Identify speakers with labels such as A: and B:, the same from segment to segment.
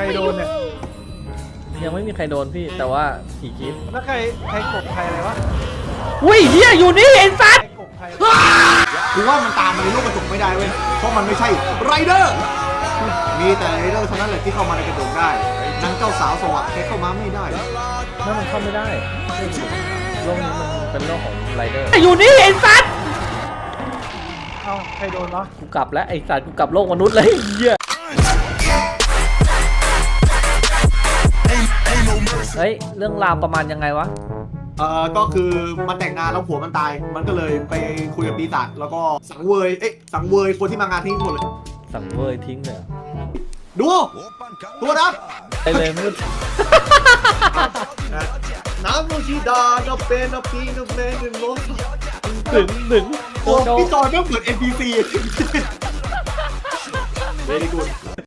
A: รโดนเนี่ย
B: ยังไม่มีใครโดนพี่แต่ว่าผีคิด
A: แล้วใครกบใครอะไรวะ
B: อุ้ยเฮียอยู่นี่ไอ้สัตว์
A: ใครกบใคร
C: กูว่ามันตามมาในโลกกระจกไม่ได้เว้ยเพราะมันไม่ใช่ไรเดอร์มีแต่ไรเดอร์เท่านั้นแหละที่เข้ามาในกระจกได้นางเจ้าสาวสวะแค่เข้ามาไม่ได้
B: นั่นมันเข้าไม่ได้โลกนี้มันเป็นโลกของไรเดอร์อยู่นี่ไอ้สัตว์
A: เอ้าใครโดนวะ
B: กูกลับแล้วไอ้สัตว์กูกลับโลกมนุษย์เลยเฮียเฮ้ยเรื่องราวประมาณยังไงวะ
C: ก็คือมันแต่งงานแล้วผัวมันตายมันก็เลยไปคุยกับปีศาจแล้วก็สังเวยคนที่มางานทิ้งหมดเลย
B: สังเวยทิ้งเลย
C: ดูตัวนะ
B: ไปเลยมืด
C: น้ำโมชิดาโนเปนโนปีโนเมนโน
B: ถึง
C: โอ้พี่จอยไม่เหมือน NPC เวลี่กูด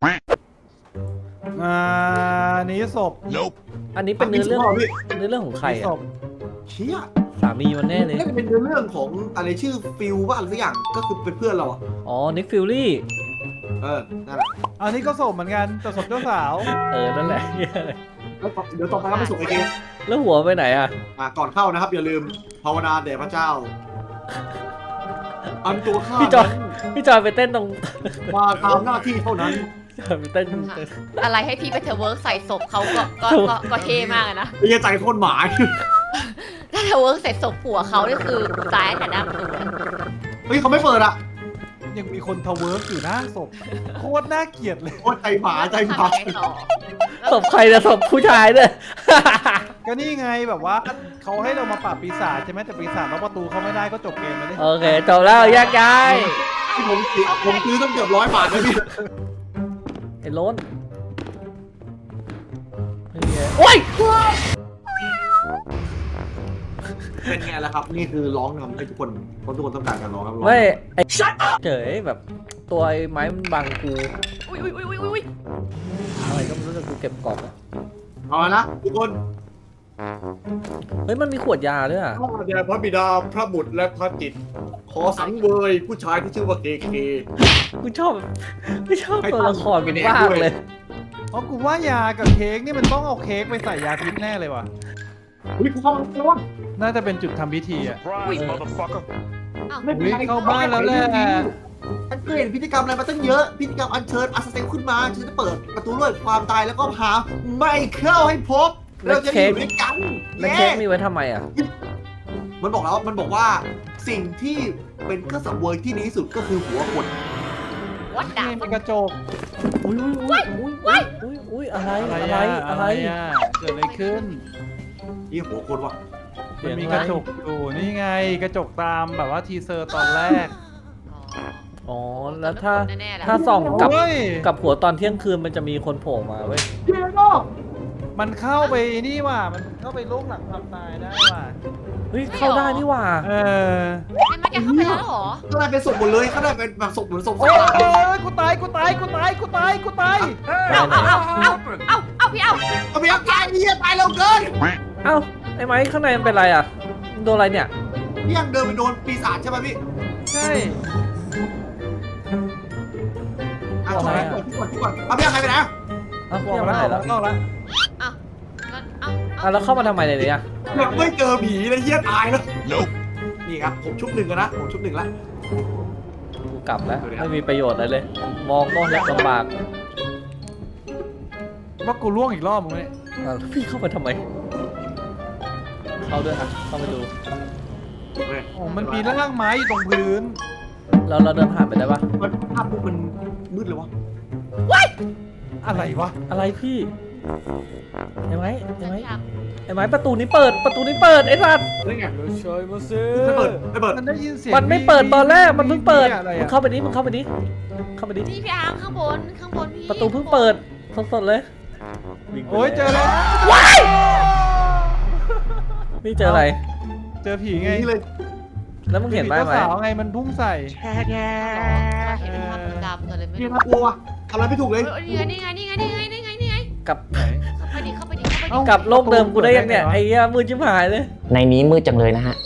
A: นี้ศพ
B: อันนี้เป็นเนื้อเรื่องของใครอ่ะ
C: เชี่ย
B: สามีมันแน่เลย
C: นี่เป็นเรื่องของอะไรชื่อฟิลว่าอะไรสักอย่างก็คือเป็นเพื่อนเราอ่ะ
B: อ๋อนิกฟิลลี่
C: นั่นแหละ
A: อันนี้ก็ศพเหมือนกันแต่ศพเจ้าสาว
B: นั่นแหละ
C: เดี๋ยวต่อไปเราไปส่งไอเกม
B: แล้วหัวไปไหนอ่ะ
C: ก่อนเข้านะครับอย่าลืมภาวนาแด่พระเจ้าอันตัวข้า
B: พี่จอยไปเต้นตรง
C: มาตามหน้าที่เท่านั้น
B: ไปเต้น
D: อะไรให้พี่ไปเทเวิร์กใส่ศพเขาก็เท่มากนะ
C: นี่ใจโคตรหมา
D: ถ้าเทเวิร์กใส่ศพผัวเขานี่คือตายแต่หน้าประตู
C: เฮ้ยเขาไม่เปิดอ่ะ
A: ยังมีคนทเวิร์กอยู่หน้าศพโคตรน่าเกลียดเลย
C: โคตรใจหมา
B: ศพใครนะศพผู้ชายเนี่ย
A: ก็นี่ไงแบบว่าเขาให้เรามาปราบปีศาจใช่ไหมแต่ปีศาจล็อกประตูเขาไม่ได้ก็จบเกมไปเลย
B: โอเคจบแล้วแยกย้าย
C: ที่ผมซื้อต้องเกือบ100 บาทเลยพี่
B: ไอ้ล้นโอ้ย
C: เป็นไงล่ะครับนี่คือร้องนำให้ทุกคนเพราะทุกคนต้องการการร้องครับ
B: ไม่ไอ้เจ๋ยแบบตัวไอ้ไม้มันบังกู
D: อุ้ย
B: อะไรก็ไม่รู้แต่กูเก็บกล่อง
C: เอาละทุกคน
B: เฮ้ยมันมีขวดยาด้วยอ่ะ
C: เดี๋ยวพระบิดาพระบุตรและพระจิตขอสังเวยผู้ชายที่ชื่อว่าเกเค
B: กูชอบตัวละครเป็นบ้าเลย
A: เพราะกูว่ายากับเค้กนี่มันต้องเอาเค้กไปใส่ยาพิษแน่เลยว่ะ
C: อุ้ยกูเข้ามาแล้ววะ
A: น่าจะเป็นจุดทำพิธีอ่ะ
C: ไม่
A: เข้าบ้านแล้วแหละ
C: ฉันเคยเห็นพิธีกรรมอะไรมาตั้งเยอะพิธีกรรมอัญเชิญอาสเซลขึ้นมาฉันจะเปิดประตูด้วยความตายแล้วก็หาไม่เข้าให้พบเราจะอยู่ด้วยกัน
B: แล้วเค้กมีไว้ทำไมอ่ะ
C: มันบอกว่าสิ่งที่เป็นเครื่องสังเวยที่ดีที่สุดก็คือหัวคน
D: วัดดาบ
A: เป็นกระจก
B: อุ้ยอะไร
A: เกิดอะไรขึ้น
C: นี่หัวคนวะ
A: มันมีกระจกอยู่นี่ไงกระจกตามแบบว่าทีเซอร์ตอนแรก
B: อ๋อแล้วถ้าส่องกับหัวตอนเที่ยงคืนมันจะมีคนโผล่มาเว้ย
A: มันเข้าไปนี่ว่ะมันเข้าไปโลกหลังความตายได้ว่ะ
B: เฮ้ยเข้าได้นี่ว่ะ
D: ไม่มาแกเข้าไปแล้วหรอ
C: ก็ได้เป็นศพหมดเลยก็ได้เป็นแบบศพเหมือนศพ
A: กูตายเอา
D: พี่เอา
C: ตายนี่ตายเร็วเกิน
B: ไอ้ไม้ข้างในมันเป็นไรอ่ะโดนอะไรเนี่ย
C: พี่ยังเดินไปโดนปีศาจใช่ไหมพี่
A: ใช่
C: ก่อนเอาพี่ยังไงไปนะ
B: พี่ยังไม่ไหนแล้วแล้วเข้ามาทำไมเนี่ย
C: ยังไม่เจอผีเลยเหี้ยตายแล้วนี่ครับผมชุบ 1กันนะผมชุบ 1แล้ว
B: กูกลับแล้วไม่มีประโยชน์อะไรเลยมองก็ลำบาก
A: ว่ากูล่วงอีกรอบมึงเนี่ย
B: พี่เข้ามาทำไมเข้าด้วยอ่ะเข้าไปดู
A: มันมีร่างไม้อยู่ตรงพื้น
B: เราเดินผ่านไปได้ปะ
C: ภาพมันมืดเลยวะ
A: อะไรวะ
B: อะไรพี่เห็นไหมประตูนี้เปิดไอ้สัตว์
C: นี่ไง
A: ช่วยมาซื้อ
C: ไม่เปิด
A: มันได้ยินเสียง
B: มันไม่เปิดตอนแรกมันเพิ่งเปิดมึงเข้าไปนี้
D: นี่พี่อาร์ข้างบนพี่
B: ประตูเพิ่งเปิดสดเลย
A: โอ้ยเจอแล้ว
B: ว้ายนี่เจออะไร
A: เจอผีไง
C: เลย
B: แล้วมึงเห็นไหม
A: สาวไงมันพุ่งใส่
D: เห็นเป็นภาพดำเลยไม่
C: พี่ทับตัวทำอะไรไม่ถูกเลย
D: นี่ไง
B: กับ
D: เข้าไปดิ
B: กับโลกเดิมกูได้ยังเนี่ยไอ้เหี้ยมือจิ้มหายเลย
E: ในนี้มืดจังเลยนะฮะ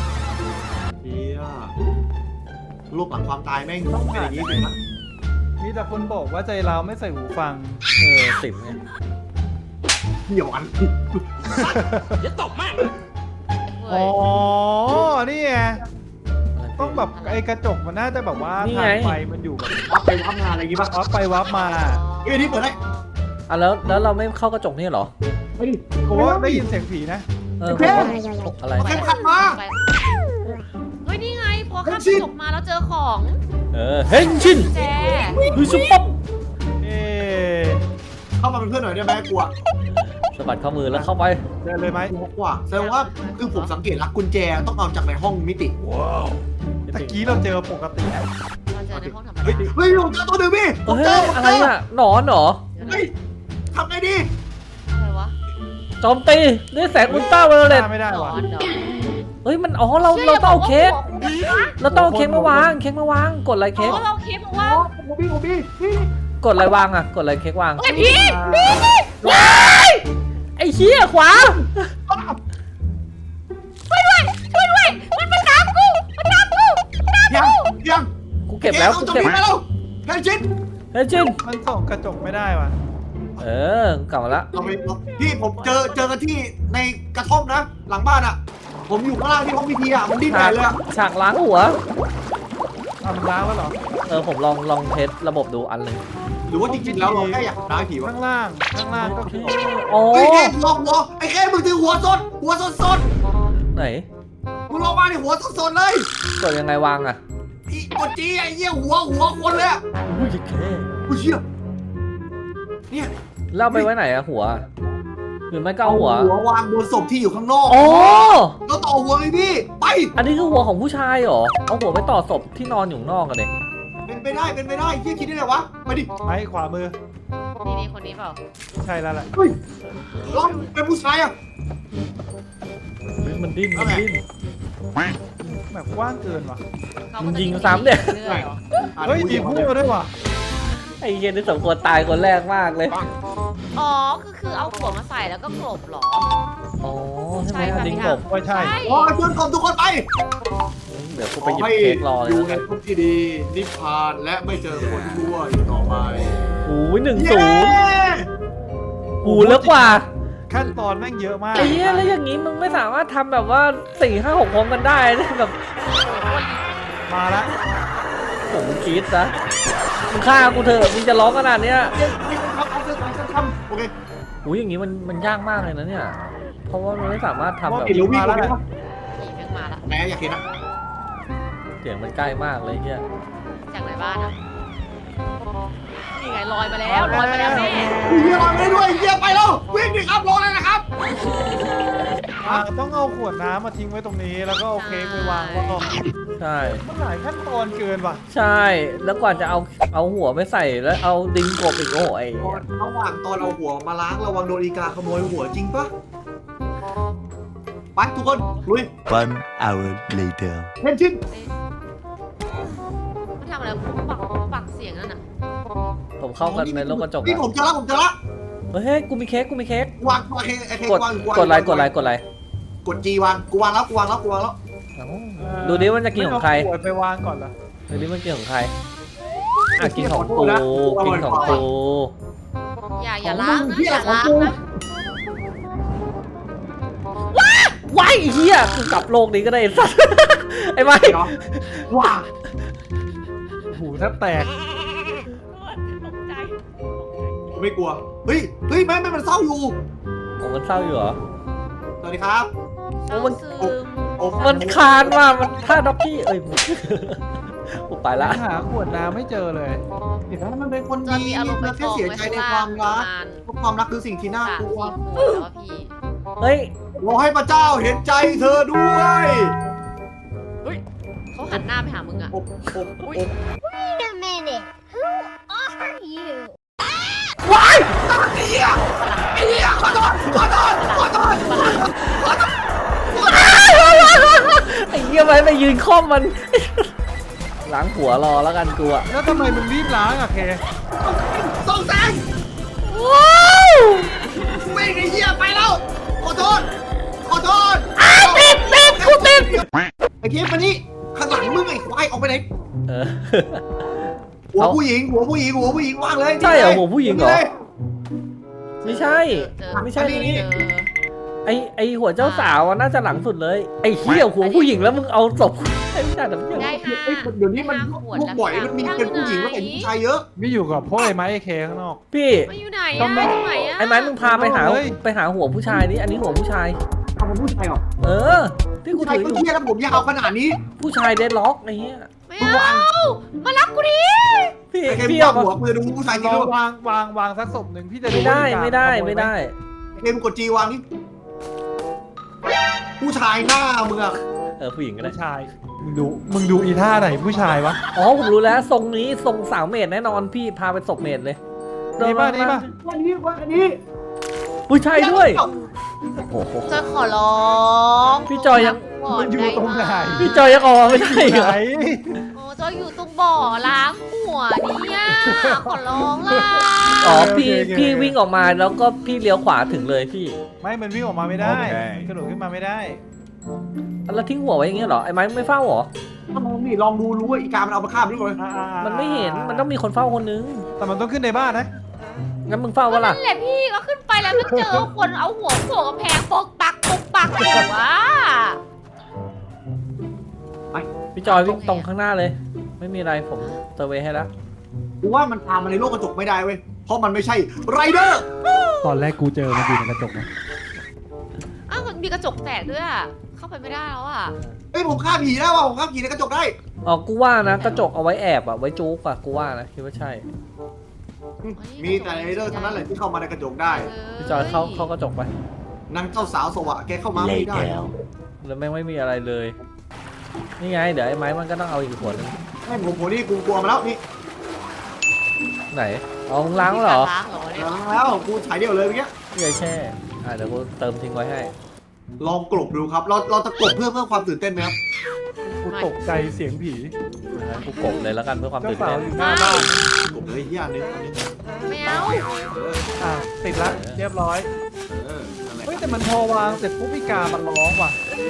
C: โลกหลังความตายแม่งเป็นอย่างนี้เลยนะ
A: มีแต่คนบอกว่าใจเราไม่ใส่หูฟัง
B: สิบไง
C: เดี๋ยวอัน
A: อ๋อ นี่ไง ต้องแบบไอ้กระจกมันน่าจะแบบว่าทางไฟมันอยู่แบบ
C: วับไปวับมาอะไรอย่างงี้ป่ะ
A: วับไปวับมา
C: เอ้ยนี่เปิดได้
B: อ่ะแล้วเราไม่เข้ากระจกนี่เหรอ
C: ไปดิ
A: ผมว่าได้ยินเสียงผีนะ
B: ผมว่าอะไร
C: เข้มขัดมา
D: เฮ้ยนี่ไงพอข้ามกระจกมาแล้วเจอของ
B: เฮงชิน
D: แจ
B: คือซุปป๊อป
A: เอ๊ะ
C: เข้ามาเป็นเพื่อนหน่อยได้ไหมกลัว
B: สะบัดข้อมือแล้วเข้าไป
A: เดินเลยไหม
C: กลัวแสดงว่าคือผมสังเกตแล้วกุญแจต้องเอาจากในห้องมิติ
A: ตะกี้เราเจอปกตินะ
D: เราเจอในห้องธรรม
C: เฮ้ย
D: ดา
C: เฮ้ยผมเจอตัวหนึ่งพี่ผม
B: เฮ้
C: เจอย ผม
B: อะ
C: เจ
B: ไร
C: อ
B: อ่ะหนอนเหรอ
C: เฮ้ยทำไงดี
D: อะไรวะ
B: โจมตีด้วยแสงอุลตราไวโอเลต
A: ไม่ได้
D: หน
A: ว่ะ
D: อนเหรอ
B: เฮ้ยมันเราต้องเอาเค้กเราต้องเอาเค้กมาวางกดอะไร
D: เค้
B: เค้ก
D: เราเค้กบอกว่า
C: ผมพี่พี่
B: กดอะไรวางอ่ะกดอะไรเค้กวาง
D: ไอพี่
B: ว้ายไอ้เหี้ยขวา
D: ช่วยด้วยมันตามกูมันตามกู
C: ยัง
B: กูเก็บแล้ว
C: เอา
B: กู
C: จบ
B: เก็บ
C: ไปแล้วแค่ชิ้น
B: เฮ้ยจิน
A: มันส่องกระจกไม่ได้ว่ะ
B: กลับมาละ
C: เราไปพี่ผมเจอกันที่ในกระท่อมนะ หลังบ้านอ่ะ ผมอยู่ข้างล่างที่ห้องพิธีอ่ะมันดิ้นใหญ่เลยอ่ะ
B: ฉากล้างหัว
A: ทำล้างแล้วเหรอ
B: ผมลองเทสระบบดูอันหนึ่ง
C: หรือว่าจริงๆแล้วเราแค่อยากได้ผีวะ
A: ข้างล่างก็คือ
B: โอ้
C: เฮ้ยแค่หัวไอ้แค่มึงถือหัวสด
B: ไหน
C: มึงลงมาในหัวสดเลย
B: กดยังไงวางอ่ะ
C: อีกดจีไอ้เหี้ยหัวคนเลยอ่ะ
B: อุ้ยแค่
C: กูเชี่ยเนี่ย
B: เล่าไปไว้ไหนอะหัวหรือไม่ก็เอาหัว
C: วางบนศพที่อยู่ข้างนอก
B: โอ้
C: แล้วต่อหัวเลยพี่ไป
B: อันนี้คือหัวของผู้ชายเหรอเอาหัวไปต่อศพที่นอนอยู่ข้างนอกกันเด็
C: เป็นไปได้เหี้ยคิดได้ไงวะไปดิ
A: ไม้ขวามือ
D: นี่คนนี้เปล่า
A: ใช่แล้วแหละ
C: เฮ้ยลองเป็นผู้ชายอ่ะ
B: มันดิ้น
A: แบบกว้างเกินว่ะ
B: มันยิงซ้ำเนี่ย
A: เฮ้ยมีพูดด้วยว่ะ
B: ไอ้เหี้ยนี่สมควรตายคนแรกมากเลย
D: อ๋อคือเอาหัวมาใส่แล้วก็กลบเหรอ
B: อ๋อใช่ไหม
D: ใช่ค่ะ
B: ลิง
D: พี่
B: ก
D: ห
B: บ
A: ไม่ใช่
C: อ๋อชวนกลมทุกคนไป
B: เดี๋ยวกูไปหยิบเค้กรอเลย
C: อยู่
B: นะ
C: ในภพที่ดีนิพพานและไม่เจอคนชั่วอยู่ต่อไป
B: โอ้ย
C: เย้
B: 1-0หูเลิกกว่า
A: ขั้นตอนแม่งเยอะมาก
B: ไอ้เหี้ยแล้วอย่างงี้มึงไม่สามารถทำแบบว่า4-5-6พร้อมกันได้นะแบบ
A: มาละ
B: ผมงกรี๊ดซะมึงฆ่ากูเถอะมึงจะร้องขนาดเนี้ย
C: ทำโอเค
B: อุ้ยอย่างงี้มันยากมากเลยนะเนี่ย เพราะว่ามันไม่สามารถทำแบบ
C: กี่รู้วิ่งแล้วนะ
D: ผีแม่งมาละ
C: แหมอยากเห็นนะ
B: เสียงมันใกล้มากเลยเฮีย
D: จากไหนบ้านอ่ะนี่ไงลอยมาแล้วแม่
C: เฮียลอยไม่ได้ด้วยเฮียไปแล้ววิ่งดิครับรอเลยนะครับ
A: ต้องเอาขวดน้ำมาทิ้งไว้ตรงนี้แล้วก็เอาเค้กไปวางไว้ก่อน
B: ใช่
A: มันหลายขั้นตอนเกินว่ะ
B: ใช่แล้วกว่าจะเอาหัวไปใส่แล้วเอาดิงกบอีกโอ้ย
C: ระหว่างตอนเอาหัวมาล้างระวังโดนอีกาขโมยหัวจริงปะไปทุกคนลุย
E: One hour later.
C: เล่นชิ้น
D: มันทำอะไรปักเสียงนั่นน่ะ
B: ผมเข้ากันในโลกกระจก
C: นี่
B: อะ
C: ผมเจอแล้ว
B: เฮ้ยกูมีเค้ก
C: วางไอ้เค้
B: กด
C: วาง
B: กดไลค์
C: กดจีวางกูวางแล้ว
B: เอ้าดูดิมันจะกินของใคร
A: ไม่เาขวดไปวางก่อนเหรอ
B: ดูดิมันกินของใครอ่ะกินของกูกินของกู
D: อย่าล้างนะอย่าล้างนะ
B: ว้ายไอ้เฮียกูกลับโลกนี้ก็ได้ไอ้สัส ไอ้ไม้
C: ว้า
A: หูแทบแตก
D: ตกใจ
C: ไม่กลัวเฮ้ยไม่มันเศร้าอยู่
B: ผมมันเศร้าอยู่เหรอ
C: สวัสดีครับ
D: เศร้าซึม
B: มันคานว่ามันท่าด็อกกี้เอ้ย กูไปละ
A: หาขวดน้ำไม่เจอเลย
C: เห็นไหมมันเป็นคน
D: จน
C: ดี
D: มีอารมณ์ไป
C: มัน
D: ก
C: แค่
D: อง
C: เสีย
D: ไว้
C: ใจ
D: ข้าง
C: ในค
D: ล่าว
C: าง ม
D: ประ
C: รัก
D: มาณ
C: เพราะความรักคือสิ่งที่น่า
D: 3-4
C: กลัว
D: ขวดแล้วพี่
B: เฮ้ย
C: ขอให้พระเจ้าเห็นใจเธอด้วย
D: เขาหันหน้าไปหามึงอ่ะ
C: อบ
F: Wait a minute. Who are you?
C: ว้ายไอ้เหี้ยขอโทษ
B: ไอ้เหี้ยไปยืนค่อมมัน ล้างหัวรอแล้วกันกูอะ
A: แล้วทำไมมึงรีบล้างอะเค
C: ส่งแสง
B: ว้าว
C: ไม่ไอ้เหี้ยไปแล้ว ขอโทษ
B: ติดกูติด
C: ไอ้เหี้ยมานี่ข้างหลังมึงไอ้ควายออกไปไหน
B: เออ
C: หัวผู้หญิงว่างเลย
B: ใช่เหรอหัวผู้หญิงเหรอไม่ใช่
D: เจอ
B: ไม่ใช่
D: เจอ
B: นี่ไอหัวเจ้าสาวน่าจะหลังสุดเลยไอเหี้ยหัวผู้หญิงแล้วมึงเอาศพไอ้ไม่ใช่แต่ไม่ใช่
D: ได้ห้า
C: เดี๋ยวนี้มัน
D: ได้ห้าขวด
C: พวก
D: แล้ว
C: บ่อยมันมีเป็นผู้หญิงแล้วเป็นผู้ชายเยอะ
A: ไม่อยู่กับพวกไอ้ไม้ไอ้เคข้างนอก
B: พี่
D: มาอยู่ไหนอะอยู่ไหนอะ
B: ไอ้ไม้มึงพาไปหา
A: เฮ้ย
B: หัวผู้ชายนี่อันนี้หัวผู้ชาย
C: ทำเป็นผู้ชายเหรอ
B: เออที่กู
C: ผู้ชาย
B: ถือ
C: ก็
B: อยู่
C: เที่ยแล้วผมยาวขนาดนี้
B: ผู้ชายเดดล็อกไอ้เหี้ย
D: ไม่เอามารับกูดิ
B: พี่
C: ไอ้แก
B: พี่
C: วา
B: เอา
C: งหัวปืนดูผู้ชายจริง
A: เรา
C: ด้วย
A: วางสักศพหนึ่งพี่จะ
B: ไม่ได้
A: ว่า
B: ไม่ได้
A: ขโยห
B: ไม่ได้
C: เกมกดจีวางนี่ผู้ชายหน้ามึงอะ
B: ผู้หญิงก็ได้
A: ผู้ชายมึงดูอีท่าไหนผู้ชายวะ
B: อ๋อผมรู้แล้วทรงนี้ทรงสาวเมดแน่นอนพี่พาไปศพเมดเลย
A: นี่ป่ะนี่ป่ะ
C: วันนี้
B: ผู้ชายด้วยโอ้โห
D: จอยขอร้อง
B: พี่จอยยัง
A: มันอยู่ตรงไหน
B: พี่จอยยังออกมาไม่ได้
A: ไห
B: เหร
A: น
B: อ
D: โอ้จอยอยู่ตรงบ่อล้างหัวเนี่ยขอร้องล่ะ
B: อ๋อพี่วิ่งออกมาแล้วก็พี่เลี้ยวขวาถึงเลยพี่
A: ไม่มันวิ่งออกมาไม่ได้มันกระโดดขึ้นมาไม่ได้
B: แล้วทิ้งหัวไว้อย่างเงี้ยเหรอไอ้ไม้ไม่เฝ้าเหรอ
C: ลองดูรู้ว่าอีกามันเอามาฆ่าด้วยเลย
B: มันไม่เห็นมันต้องมีคนเฝ้าคนนึง
A: แต่มันต้องขึ้นในบ้านนะ
B: งั้นมึงเฝ้า
D: ก็
B: วะล่ะ
D: นั่นแหละพี่ก็ขึ้นไปแล้วก็เจอคนเอาหัวโขกกำแพงปกปักอยู่วะ
B: พี่จอยวิ่งตรงข้างหน้าเลย ไม่มีอะไรผมเซอร์เวย์ให้แล้ว
C: กูว่ามันตามมาในโลกกระจกไม่ได้เว้ยเพราะมันไม่ใช่ไรเดอร์
A: ตอนแรกกูเจอมันอยู่ในกระจกนะ
D: อ้าวมันมีกระจกแตกด้วยอะเข้าไปไม่ได้แล้วอะ
C: เฮ้ยผมฆ่าผีได้ว่ะผมฆ่าผีในกระจกได้
B: อ๋อกูว่านะกระจกเอาไว้แอบอะไว้จุกอะกูว่านะคิดว่าใช่
C: มีแต่ไรเดอร์เท่านั้นแหละที่เข้ามาในกระจกได้
B: พี่จอยเข้ากระจกไป
C: นางเจ้าสาวสวะแกเข้ามาไม่ได้
B: แล้วแม่งไม่มีอะไรเลย นี่ไงเดี๋ยวไอ้ไม้มันก็ต้องเอาอีกขวดนึง
C: ให้ผมนี่กูกลัวมาแล้วนี่
B: ไหนเอามึงล้างแล้วเหรอ
D: ล้างเหรอเนี่ย
C: แล้วกูฉายเดียวเลยเมื่อกี้
B: พี่ไอแช่เดี๋ยวกูเติมทิ้งไว้ให้
C: ลองกลบดูครับเราจะกลบเพื่อความตื่นเต้นไหมครับ
A: กูตกใจเสียงผี
B: งั้นกูกบเลยแล้วกันเพื่อความ
A: เจ้า
B: ตื่น
A: สาว
B: เต้น
A: อยู่หน้าบ้าน
C: กลบเลยเฮียอันนี้
D: ไม่เอา
A: อ่ะติดละเรียบร้อย
C: นั่นแหละ
A: เฮ้ยแต่มันพอวางเสร็จปุ๊บพี่กามันร้องว่ะ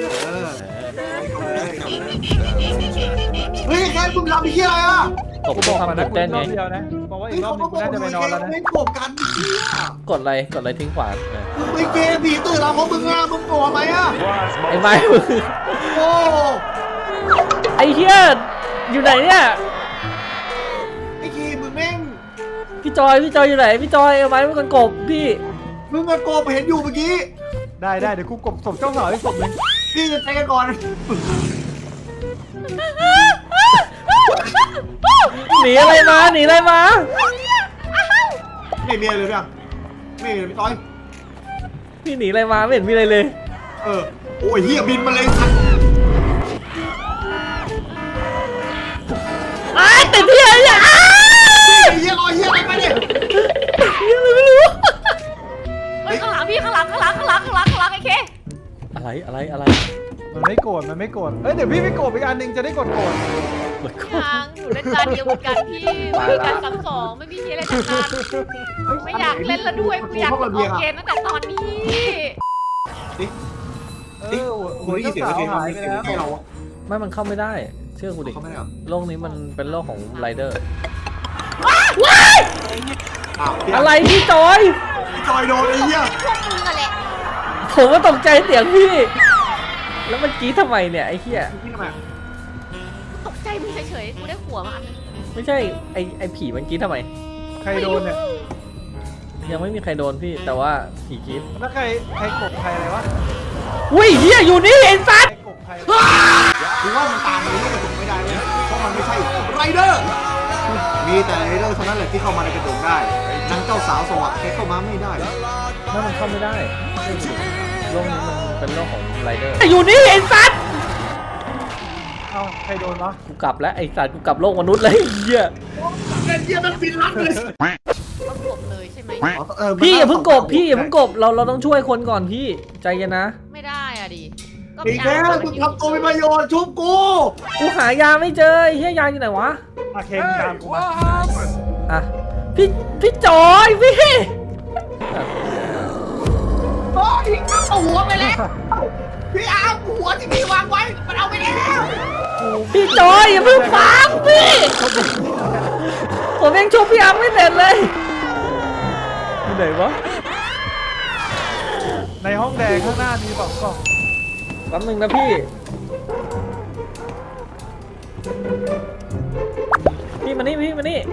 C: เฮ้ยแค่มึงทำไอ้เฮียอะไรอ่ะ
B: กบเพื่อความตื่นเต้น
A: ร
B: ไง
A: อบเดียวนะบอกว่าอี
C: เฮ้ย
A: กรอบนึงกูน่าจะไปนอนแล้วนะ
C: ไม่กลบกันเฮีย
B: กดอะไรทิ้งขวา
C: มึงไปเกมผีตื่นแล้วเพราะมึงอ่ะมึงกลัวไหมอ่ะ
B: ไอ้ไม้มึง
C: โอ้
B: ไอ้เฮียอยู่ไหนเนี่ย
C: ไอ้คีมึงแม่ง
B: พี่จอยอยู่ไหนพี่จอยเอาไม้มันกันกบพี่
C: มึงอะโกบเห็นอยู่เมื่อกี้
A: ได้เดี๋ยวกูกบศพเจ้าสาวให้ศพหนึง
C: พี่จะใช้กันก่อน
B: หนีอะไรมา
C: ไม่มีอะไรเลยพี่ไม่มีเลยพี่ต้อย
B: พี่หนีอะไรมาไม่เห็นมีอะไรเลย
C: โอ้ยเฮียบินมาเลยสัตว์
B: ไอ้ติดที่อะไรเนี่ย
C: เฮียลอยเฮียอะไรไปเนี่ย
B: ไม่รู้
D: เฮ้ยข้างหลังพี่ข้างหลังไอ้เค
B: อะไร
A: มันไม่โกรธเอ้ยเดี๋ยวพี่ไม่โกรธอีกอันหนึงจะได้กดโกรธ
D: ยังอยู่เล่นจานเดียวเหมือนกันพี่ไม่มีการซ้ำสองไม่มีอะไรทั้งนั้นไม่อยากเล่นแล้วด้วยกูอยากออกเกมตั้งแต่ตอนนี้
A: หัว
C: ได้ยิน
A: เจ้า
C: เสียง
A: สาว
C: เสียง
A: หายไปแล้ว
C: แค่เรา
B: ไม่มันเข้าไม่ได้ เชื่อกูดิ
C: เขาไม่ได้หรอ
B: โลกนี้มันเป็นโลกของไรเดอร์
C: อะไร
B: พี่จอย
C: จอยโดนไอ้เหี้ย
D: พวกมึงอะแหละ
B: ผมก็ตกใจเสียงพี่ แล้วมันกรี๊ดทำไมเนี่ยไอ้เหี้ย
C: พี่ทำไม
D: ตกใจมึงเฉยๆกูได้หัวมาอันนึง
B: ไม่ใช่ไอ้ผีมันกรี๊ดทำไม
A: ใครโดนเนี่ย
B: ยังไม่มีใครโดนพี่แต่ว่าผีกรี๊ด
A: แล้วใครกบใครอะไรวะ
B: อุ้ยเหี้ยอยู่นี่ไอ้สัส
A: ใครกบใคร
C: กูว่ามันตามมาในโลกกระจกไม่ได้เว้ยเพราะมันไม่ใช่ไรเดอร์มีแต่ไรเดอร์เท่านั้นแหละที่เข้ามาในกระจกได้นางเจ้าสาวสวะแกเข้ามาไม่ได้
B: นั่นมันเข้าไม่ได้เชื่อกูดิโลกนี้มันเป็นโลกของไรเดอร์อยู่นี่ไอ้สัส
A: เอ้าใครโดนวะ
B: กูกลับแล้วไอ้สัสกูกลับโลกมนุษย์เลยไอ้เหี้ย
C: เหี้ยมันบินลัดเลย
D: ต้องกบเลยใช่ไหม
B: พี่อย่าเพิ่งกบเราต้องช่วยคนก่อนพี่ใจเย็นนะ
D: ไม่ได้อะดิก็
C: อีกแล้วมึงทำตัวเป็นประโยชน์ชุบกู
B: กูหายาไม่เจอไอ้เหี้ยยาอยู่ไหนวะ
A: อาเคมตามกูมา
B: อ่ะพี่จอยพี่
C: โอ้ยเอาหัวไปแล้วพี่อาร์มหัวที่พี่วางไว้มันเอาไปแล้ว
B: พี่จอยอย่าเพิ่งฟังพี่ผมยังชุบพี่อังไม่เสร็จเลยที่ไหนวะ
A: ในห้องแดงข้างหน้ามี2 กล่อง
B: แป๊บนึงนะพี่มานี่พี่มานี่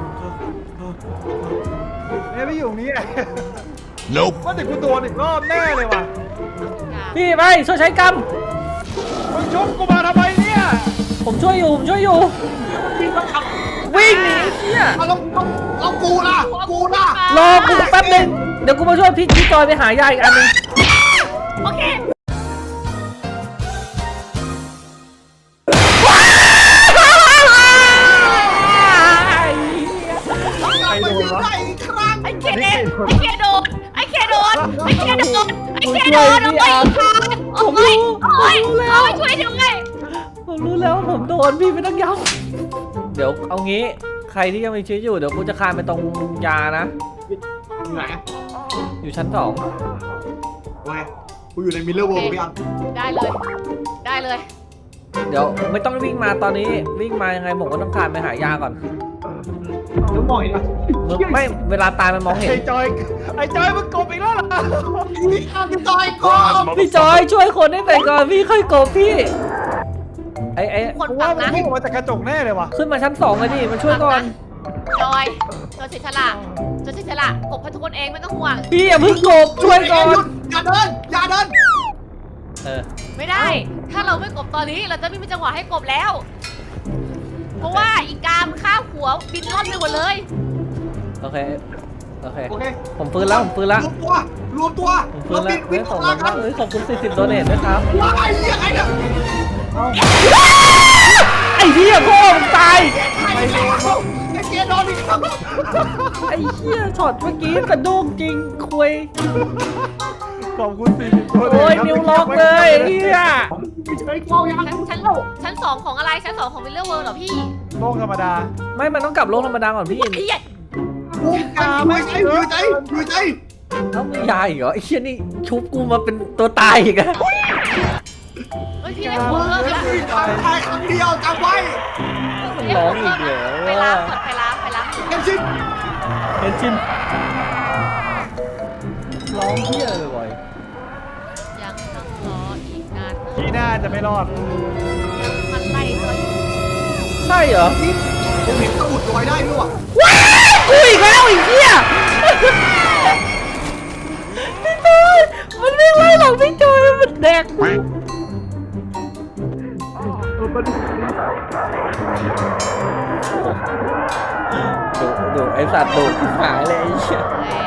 A: เนี่ยพี่อยู่ตรงนี้ไง
E: Nope.
A: ว่าแต่กูโดนอีกรอบแน่เลยว่ะ
B: พี่ไปช่วยใช้กรรม
A: มึงชกกูมาทำไมเนี่ย
B: ผมช่วยอยู่วิ่งหนีเนี่ย
C: เอาแล้วกูล่ะ
B: รอกูแป๊บนึงเดี๋ยวกูมาช่วยพี่จอยไปหายาอีกอันนึง
D: โอเค
A: ใครโดนวะ
C: ได้อีกครั้ง
D: ไอ้เคโดนไอ้เคโดนไอ้เคโดนเอาไปอีกทางเอาไปช่วยยังไง
B: ผมรู้แล้วว่าผมโดนพี่ไม่ต้องย้ำเดี๋ยวเอางี้ใครที่ยังมีชีวิตอยู่เดี๋ยวกูจะคานไปตรงยานะ
C: อยู่ไหน
B: อยู่ชั้น 2
C: โอเคกูอยู่ในมิลเลอร์เวิลด์พี่อัน
D: ได้เลย
B: เดี๋ยวไม่ต้องวิ่งมาตอนนี้วิ่งมายังไงผมก็ต้องคานไปหายาก่อน
C: แล้วบ่อยนะ
B: ไม่เวลาตายมันมองเห็น
A: ไอ้จอยมึงกบอีกแล้วเหรอ
C: พี่อันพี่จอยก่อน
B: พี่จอยช่วยคนให้ไปก่อนพี่ค่อยโกบพี่ไอ้
D: คน
A: กู
D: ฟั
A: ว่าง มัน
D: นะ
A: พุ่งออกมาจากกระจกแน่เลยว่ะ
B: ขึ้นมาชั้น 2เลยดิมาช่วยก่อน
D: จอยเสียฉลาดกบให้ทุกคนเองไม่ต้องห่วง
B: พี่อย่าเพิ่งโกบช่วยก่อน
C: อย่าเดิน
B: เออ
D: ไม่ได้ ถ้าเราไม่กบตอนนี้เราจะไม่มีจังหวะให้กบแล้ว เพราะว่าอีกามข้าวหัวบินล่อนไปหมดเลย
B: โอเค
C: โอเค
B: ผมฟื้นแล้ว
C: รวมตัว
B: ผมฟื้นแล้ว
C: บิน
B: ขอบ
C: ลา
B: คุณ
C: กั
B: มาน กขอบคุณ40โดเนทด้วยครับ
C: ว้ายยังไงเนี่ย
B: ไอ้เหี้ยพ่อมึงตาย
C: ไม่โดนไอ้เกียร์โดนอีกแล้ว
B: ไอ้เหี้ยช็อตเมื่อกี้กระดุ้งจริงคุย
A: ขอบคุณ40ตัว
B: โอ้ยนิ้วล็อกเลยไอ้เหี้ย
C: เฉยกล้องยัง
D: ชั้นสองของอะไรชั้น2ของวิลเลอร์เวิลด์เหรอพี่
A: โลกธรรมดา
B: ไม่มันต้องกลับโลกธรรมดาก่อนพี่
D: ไอ้เหี้ย
C: กูกาไม่ใช่อยู่ใจ
B: ต้องมียาอีกเหรอไอ้เหี้ยนี่ชุบกูมาเป็นตัวตายอีกอะ
D: เฮ้ยพี่ได้หัวเพิ่มแล้ว
C: มีทางตายครั้งเดียวจำไว้
B: มันร้องอีกเหรอ
D: ไปล้างก่อนไปล้าง
C: เอ็มชิน
B: เห็นชินร้องเหี้ยเลยบ่อย
D: ยังต้องรออีกนาน
A: ที่หน้าจะไม่รอด
D: มันไล่จน
B: ใช่เหรอ
C: นี่ผมเห็นสมุดลอยได้ด้วยว่ะ
B: ว้ายกูอีกแล้วไอ้เหี้ยพี่จอยมันวิ่งไล่หลังพี่จอยมันแดกกูดูไอสัตว์ดูหายเลยไอ้เหี้ย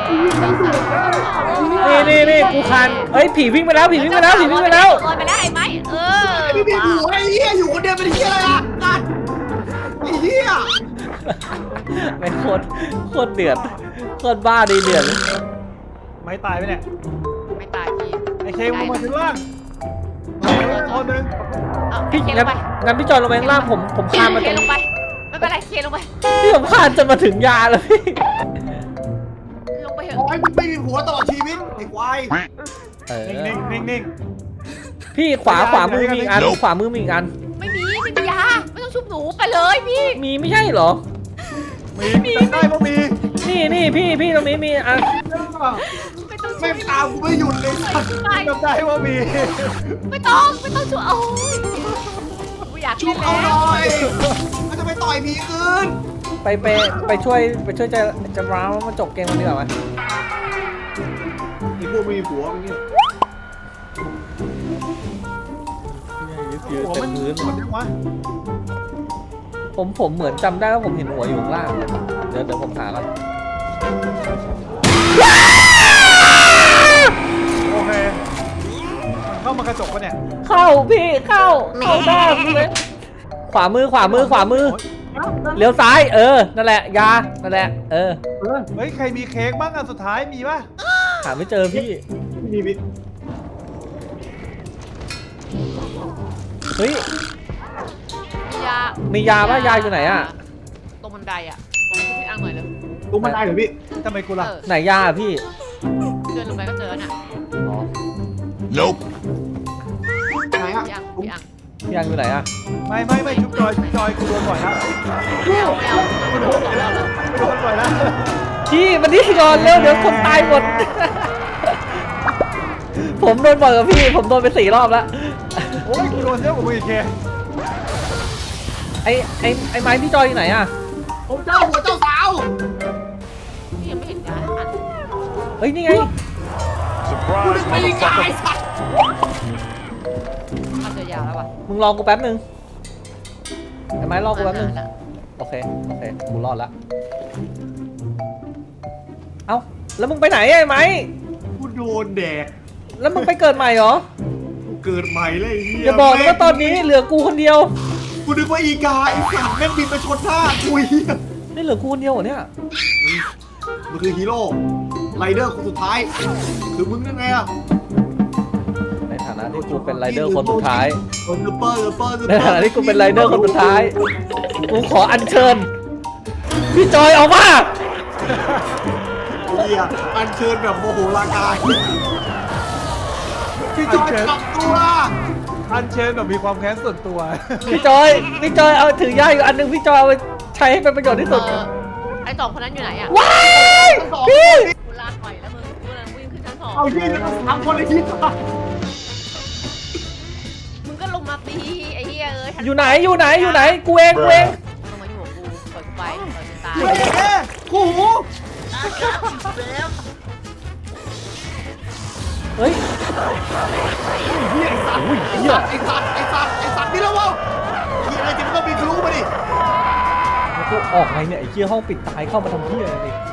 B: นี่กูคันเอ้ยผีวิ่งไปแล้ว
D: ลอยไปแล้วไอ้ไม้
C: พี่พี่อยู่ไอ้เหี้ยอยู่คนเดียวเป็นเหี้ยอะไรล่ะกัดไอ้เหี้ย
B: ไม่โคตรเดือดโคตรบ้าดีเดือดเลย
A: ไม่ตายไปเนี่ย
D: ไม่ตายพี่
A: ไอ้เคมึงมาถึงล่างคนหนึ่ง
B: พี่
D: เคล
B: งั้
D: ง
B: น
D: ไป
B: งั้นพี่จอยลงไปข้างล่างผมคานมา
D: เค
B: ตรง
D: ลงไปไม่เป็นไรเคลงไป
B: พี่ผมคานจะมาถึงยาแล้วพี่
D: ลงไปเถ
C: โอ้
D: อะ
C: ยมึงไม่มีหัวตลอดชีวิตไอ้ควาย
A: นิ่ง
B: พี่ขวามือมีอีกอันขวามือมีอีกอัน
D: ไม่มียาไม่ต้องชุบหนูไปเลยพี่
B: มีไม่ใช่เหรอ
A: มีได้ก็มี
B: นี่พี่ตรงนี้มีอัน
D: ไม่ต้อง
C: ไม่ตามกูไม่หยุดเลยสัตว์
D: ไป
A: จำได้ว่ามี
D: ไม่ต้องชุบโอ้ยกูอยาก
C: ชุ
D: เล่
C: บ
D: น
C: เอาห
D: แล้ว
C: น่อยมันจะไปต่อยผีอื่น
B: ไปช่วยจะร้าวมาจบเกมกันดีกว่าไหม
C: ไอ้พวกไม่มีผัวมันเนี่ย
A: หัวมันพื้นหมดยังวะ
B: ผมเหมือนจำได้ว่าผมเห็นหัวอยู่ข้างล่างเดี๋ยวผมหากัน
A: โอเคมันเข้ามากระจกปะเนี่ย
B: เข้าพี่เข้าได้เลยขวามือเลี้ยวซ้ายนั่นแหละยานั่นแหละ
A: เฮ้ยใครมีเค้กบ้างอันสุดท้ายมีป่ะ
B: หาไม่เจอพี่
C: มีมิ
B: เฮ้ย
D: ยา
B: มียาป่ะยาอยู่ไหนอะ
D: ตรงบันไดอ่ะพี่อังหน่อยเลย
C: รู้มันได้เหรอพี่
A: ทำไมกูล่ะ
B: ไหนยาอะพี่
D: เดินลงไปก็เจอน่ะ
B: อ๋อ
E: Nope.
C: ไหนอ่ะ
D: พี่อัง
B: พี่อังอยู่ไหนอะ
A: ไม่ชุบจอยกูโดนบ่อยแล้ว
D: ไม่เอาไม่เอา
A: โดนบ่อยแล้ว
B: พี่มันนี่ก่อนเร็วเดี๋ยวคนตายหมด ผมโดนบ่อยกับพี่ ผมโดนไป4 รอบแล้ว
A: โอ้ยกูโดนเยอะกว่ามึงอีกเค
B: ไอ้ไม้พี่จอยอยู่ไหนอะ
C: ผมเจ้าหัวเจ้าสาว
D: พี่ยังไม่เห็นการอ่าน
B: เฮ้ยนี่ไง
C: กูนึกไม่ได้กายสัตว์
D: มันจะยาวแล้วป่ะ
B: มึงรอกูแป๊บนึงไอ้ไม้รอกูแป๊บนึงโอเคกูรอดละเอ้าแล้วมึงไปไหนไอ้ไม้
C: กูโดนแดก
B: แล้วมึงไปเกิดใหม่เหรอ
C: กูเกิดใหม่เลยไอ้เหี้ย
B: อย่าบอกนะว่าตอนนี้เหลือกูคนเดียว
C: กูนึกว่าอีกาไอ้สัตว์แม่งบินมาชนหน้ากูเหี้ย
B: นี่เหลือกูคนเดียวเหรอเนี่ย
C: มันคือฮีโร่ไรเดอร์คนสุดท้าย คือมึงนั่นไงอ่ะ
B: ในฐานะที่กูเป็นไรเดอร์คนสุดท้าย
C: ลูเปอร์
B: ในฐานะที่กูเป็นไรเดอร์คนสุดท้าย กูขออัญเชิญ พี่จอยออกมา
C: เหี้ยอันเชิญแบบโมโหลากายพี่จอยกลับตัว
A: อันเชิญแบบมีความแค้นส่วนตัว
B: พี่จอยเอาถือย่าอยู่อันหนึงพี่จอยเอาไปใช้ให้เป็นประโยชน์ที่สุด
D: ไอ้สองคนนั้นอยู่ไหนอ่ะ
B: ว้ายพี่
D: กูลากไปแล้วมึงกูกำลังวิ่งขึ้นชั้น2
C: เอาที่ทำคนในที่ก่อน
D: มึงก็ลงมาตีไอ้เหี้ยเอ้ย
B: อยู่ไหนกูเอง
D: ลงมาอยู่กับกูปล่อยกูไปปล่อยกูตาย
C: เฮ้ยแม่คู่หู
B: เฮ้ย
C: ไอ้สัตว์นี่แล้ววะที่อะไรจะมันก็บินทะลุมาดิ
B: แล้วกูออกไงเนี่ยไอ้เหี้ยห้องปิดตายเข้ามาทำเหี้ยอะไรนี่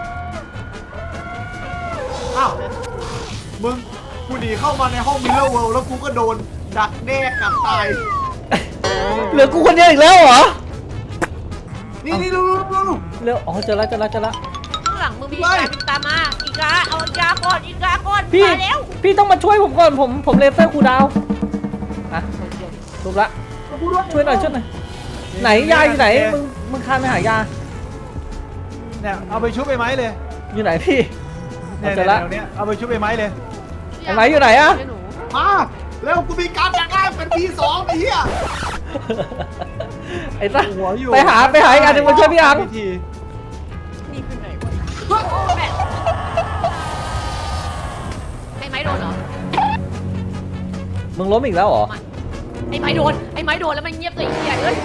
C: อ้าวมึงกูหนีเข้ามาในห้องมิลเลอร์เวิลด์แล้วกูก็โดนดักแด้กัดตาย
B: เหลือกูคนเดียวอีกแล้วเหรอ
C: นี่ดู
B: เร็วอ๋อเจอแล้ว
D: ข้างหลังมึงมีอีกาบินตามมาอีกาเอาอีกาก่อน
B: พี่
D: มาแล้ว
B: พี่ต้องมาช่วยผมก่อนผมเลเซอร์คูลดาวน์อ่ะถูกละช่วยหน่อยไหนยาอยู่ไหนมึงคานไปหายา
A: เนี่ยเอาไปชุบไอ้ไม้เลย
B: อยู่ไหนพี่
A: เนี่ย
B: เจอละ
A: แถวเนี้ยเอาไปชุบไอ้ไม้เลย
B: ไอ้ไม้อยู่ไหนอะ
D: หนู
C: มาแล้วกูมีการจากล่างเป็น P2 ไอ้เหี้ย
B: ไอ้สัส
A: หัวอยู่
B: ไปหาอีกอันหนึ่งมาช่วยพี่อัง
A: วิธี
D: นี่คือไหนวะแม่ไอ้ไม้โดนเหรอ
B: มึงล้มอีกแล้วเหรอ
D: ไอ้ไม้โดนแล้วมันเงียบเลยไอ้เหี้ยเอ้ย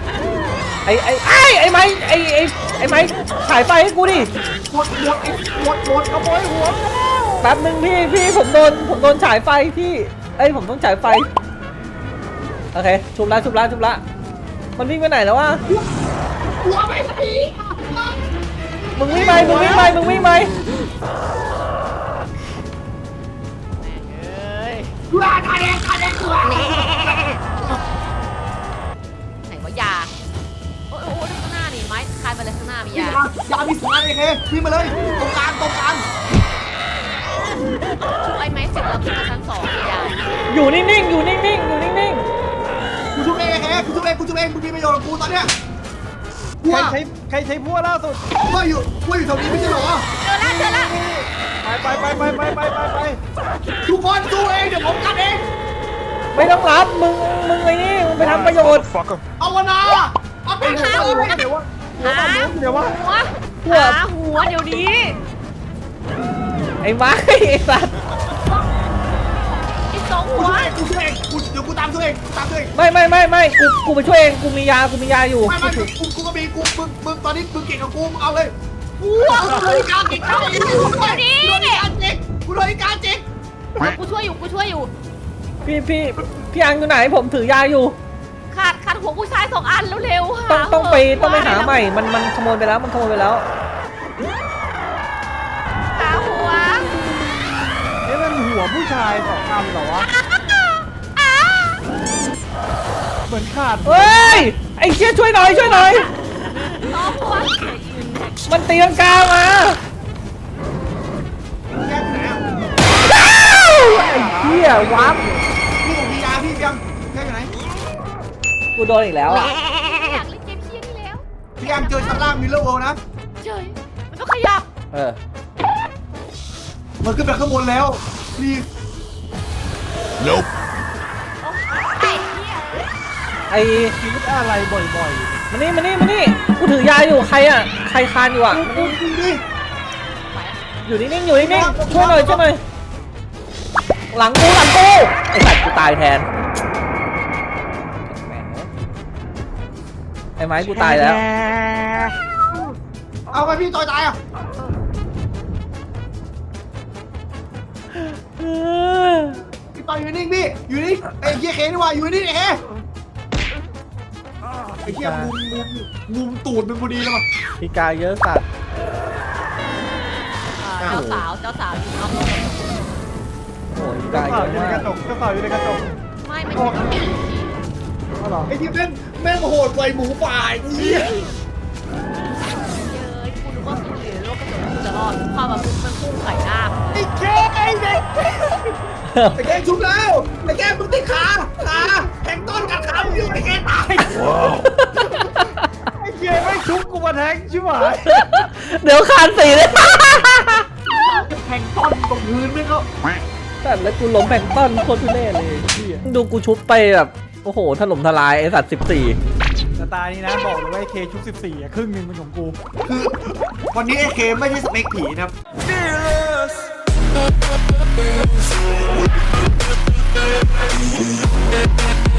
B: ไอ้ไม้ไอ้ไม้ฉายไฟให้กูดิ
C: หมดขโมยหัว
B: แป๊บนึงพี่ผมโดนฉายไฟพี่ผมต้องฉายไฟโอเคชุบละมันวิ่งไปไหนแล้ววะ
C: หัวไม่ผี
B: มึงวิ่งไป
D: แม่งเอ้ย
C: กูอาคาเดงกู
D: ไหนวะยาโอ้ยข้างหน้านี่ไม้คานไปเลยข้างหน้ามียา
C: ยามีสารไอ้เควิ่งมาเลยตรงกลาง
D: ชุบไอ้ไม้เสร็จแล้วขึ้นมาชั้น2มียา
B: อยู่นิ่งๆ
C: กูชุบเองมึงมีประโยชน์กับกูตอนเนี้ยกู
A: ใครใช้พั่วล่าสุด
C: อยู่แถวนี้ไม่ใช่เหรอ
D: เจอละ
A: ไป
C: ทุกคนสู้เองเดี๋ยวผมกันเอง
B: ไม่ต้องรับมึงไอ้นี่มึงไปทำประโยชน์
C: เอาวนาเอาไปหา
A: เดี๋ยววะ
D: หา
A: เดี๋ยววะ
D: หัวเดี๋ยวนี้
B: ไอ้ไม้ไอ้สัตว์
D: ไอ้สองหัว
C: กูช่วยเองเดี๋ยวกูตามช่วยเอง
B: ไม่กูไปช่วยเองกูมียาอยู่
C: ไม่กูก็มีมึงตอนนี้มึงเก่งกับกูมึงเอาเลยกูเลยการเก่งเข้าอีกกูเลยการเก่ง
D: กูช่วยอยู่
B: พี่อังอยู่ไหนผมถือยาอยู่
D: ขาดหัวผู้ชาย2 อันเร็วๆ
B: ต้องไปหาใหม่มันขโมยไปแล้ว
D: หาหัว
A: มันหัวผู้ชาย2 อันเหรอวะเหมือนขาด
B: เฮ้ยไอ้เชี่ยช่วยหน่อย
D: สองหัว
B: มันตีลังกามา
C: แก้ไหนอ่ะ
B: ไอ้เหี้ยวับ
C: พี่ผมมียาพี่ยังแก้ไหน
B: กูโดนอีกแล้วอ่ะ
D: อยากเล่นเกมเพี้ยนี่แล้ว
C: พี่ยังเจอชั้นล่างมิลเลอร์เวิลด์นะ
D: เฉยมันต้องขยับ
C: มันขึ้นไปข้างบนแล้วรีบ
E: Nope.
D: ไอ้เหี้ย
B: ไอ้
A: คิดอะไรบ่อย
B: มานี่กูถือยาอยู่ใครอ่ะใครคานอยู่อ่ะ
C: กูดิ
B: อยู่นิ่งๆช่วยหน่อยหลังกูไอ้สัตว์กูตายแทนไอ้ไม้กูตายแล้ว
C: เอาไปพี่ต่อยตายอ่ะพี่ต่อยอยู่นิ่งพี่อยู่นิ่งไอ้เหี้ยเคนี่ว่าอยู่นิ่งไอ้เหี้ยมุมตูดเป็นพอดีแล้วมั้ง
B: พี่กายเยอะสัตว์
D: เจ้าสาวอยู่นอก
B: โอ้ยพี่
A: ๆเจ้าก
B: าย
A: สาว
B: เย
A: อยู่
B: อะ
A: ใน
B: มาก
A: ระจกเจ้าสาวอยู่ในกระจก
D: ไม่ใช่พี่
A: อ๋อเหรอ
C: ไอ้ที่แม่งโหดกว่าหมูป่าไอ้เหี้ย
D: เย้ยกูรู้ว่ากูอยู่ในโลกกระจกกูจะรอดความแบบมันพุ่งใส่หน้า
C: ไอ้เคไอ้เด็กไอ้แกชุบแล้วไอ้แกมึงติดขาแทงต้นกัดขามึงอยู่ไอ้แกตาย
A: ไอ้เกมไม่ชุบกูมาแทงชิบหาย
B: เดี๋ยวคานสีเลย
C: แทงต้นตรงพื้นไม่ก็
B: แต่แล้วกูล้มแบ่งต้นโคตรทุเรศเลยพี่ดูกูชุบไปแบบโอ้โหถล่มทลายไอ้สัตว์14
A: สไตล์นี้นะบอกเลยว่าไอ้เคชุบ14อะครึ่งหนึงเป็นของกู
C: คือวันนี้ไอ้เคไม่ใช่สเปคผีนะครับ
E: Fearless.